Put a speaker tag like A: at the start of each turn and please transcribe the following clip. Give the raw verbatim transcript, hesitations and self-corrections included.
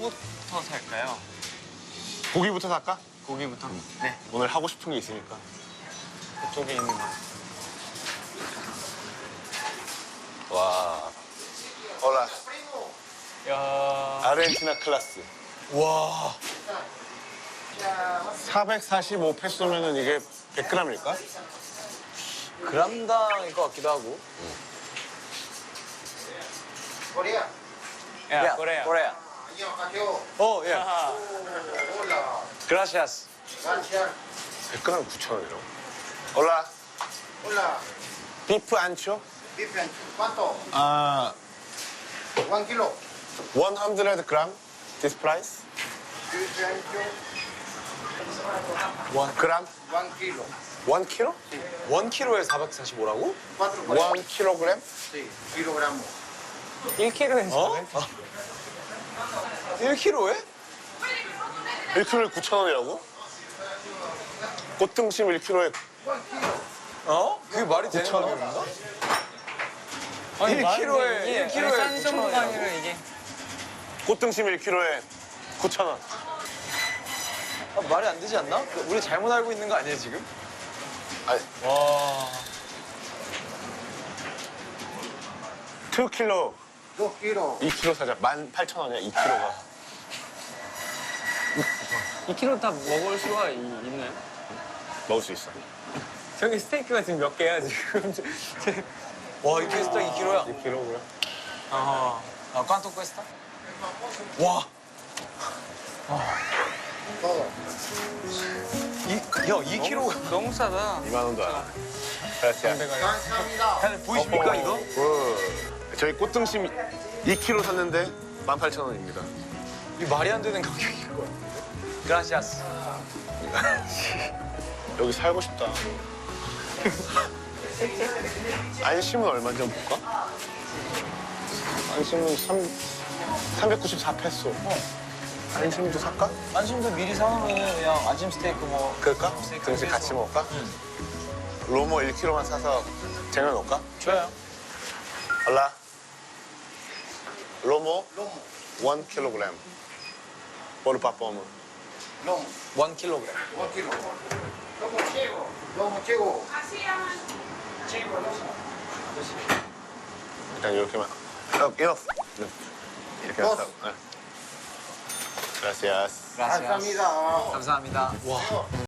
A: 뭐부터 살까요?
B: 고기부터 살까?
A: 고기부터? 네.
B: 오늘 하고 싶은 게 있으니까.
A: 그쪽에 있는 거.
B: 와. 올라.
A: 야.
B: 아르헨티나 클라스. 와. 사백사십오 페소면은 이게 백 그램일까?
C: 그람당일 것 같기도 하고.
D: Korea.
A: 야, 코레아.
C: 코레아.
D: Yo, Kakeo.
C: 어, 예.
A: 아하.
D: Hola.
C: 그라시아스.
D: Gracias.
B: 백 그램 구천 원이라고. 올라.
D: Hola.
B: 비프 안초?
D: Beef and ¿cuánto?
B: 아,
D: One kilo.
B: 백 그램? This price?
D: Beef and
B: 원 그램?
D: one kilo.
B: 원 킬로?
C: 원 킬로에 사백사십오라고?
D: Cuatro
B: 원 킬로그램?
D: Sí, kilogramo.
A: 일 킬로그램.
C: 어? 일 킬로에?
B: 일 킬로에 구천 원이라고? 꽃등심 일 킬로에
C: 어? 그게 말이 되는 가격인가?
A: 아니,
C: 일
A: 말이
C: 킬로에,
A: 이게
C: 일 킬로에
A: 싼
C: 구천
A: 정도가
C: 원이라고?
A: 아니라 이게.
B: 꽃등심 일 킬로에 구천 원.
C: 아, 말이 안 되지 않나? 그, 우리 잘못 알고 있는 거 아니에요, 지금?
B: 아니,
A: 와.
B: 이 킬로,
D: Dos kilos.
B: 이 킬로 사자. 만 팔천 원이야, 이 킬로가.
A: 이 킬로 다 먹을 수가 이- 있나요?
B: 먹을 수 있어.
A: 저기 스테이크가 지금 몇 개야, 지금?
C: 와, 이 캐스터 이 킬로야.
B: 이 킬로그램?
A: 아.
C: 아, 꽝또 퀘스타? 와.
D: Todo.
C: 이, 야, 이 킬로가.
A: 너무 싸다.
B: 이만 원도 안 해. 그렇지.
D: 감사합니다.
C: 보이십니까, 이거?
B: 저희 꽃등심 이 킬로 샀는데 만 팔천 원입니다.
C: 이 말이 안 되는 가격일 것 같은데. 그라시아스.
B: 여기 살고 싶다. 안심은 얼마인지 한번 볼까? 안심은 삼, 삼백구십사 페소. 안심도 살까?
C: 안심도 미리 사놓으면 그냥 아침 스테이크 뭐.
B: 그럴까?
C: 스테이크
B: 등심
C: 해서.
B: 같이 먹을까? 로모 일 킬로만 사서 쟁여놓을까?
C: 좋아요.
B: 알라. 로모
D: Lomo.
B: 일 킬로그램. 보르파포무.
D: Lomo.
C: 원 킬로그램.
D: One kilo. Lomo ciego. Lomo ciego.
B: 일단 이렇게만. 어, 이어프. 네. 이렇게
D: 버스.
B: 해서. 네. gracias.
C: 그라시아스.
D: 감사합니다.
C: 감사합니다. 와.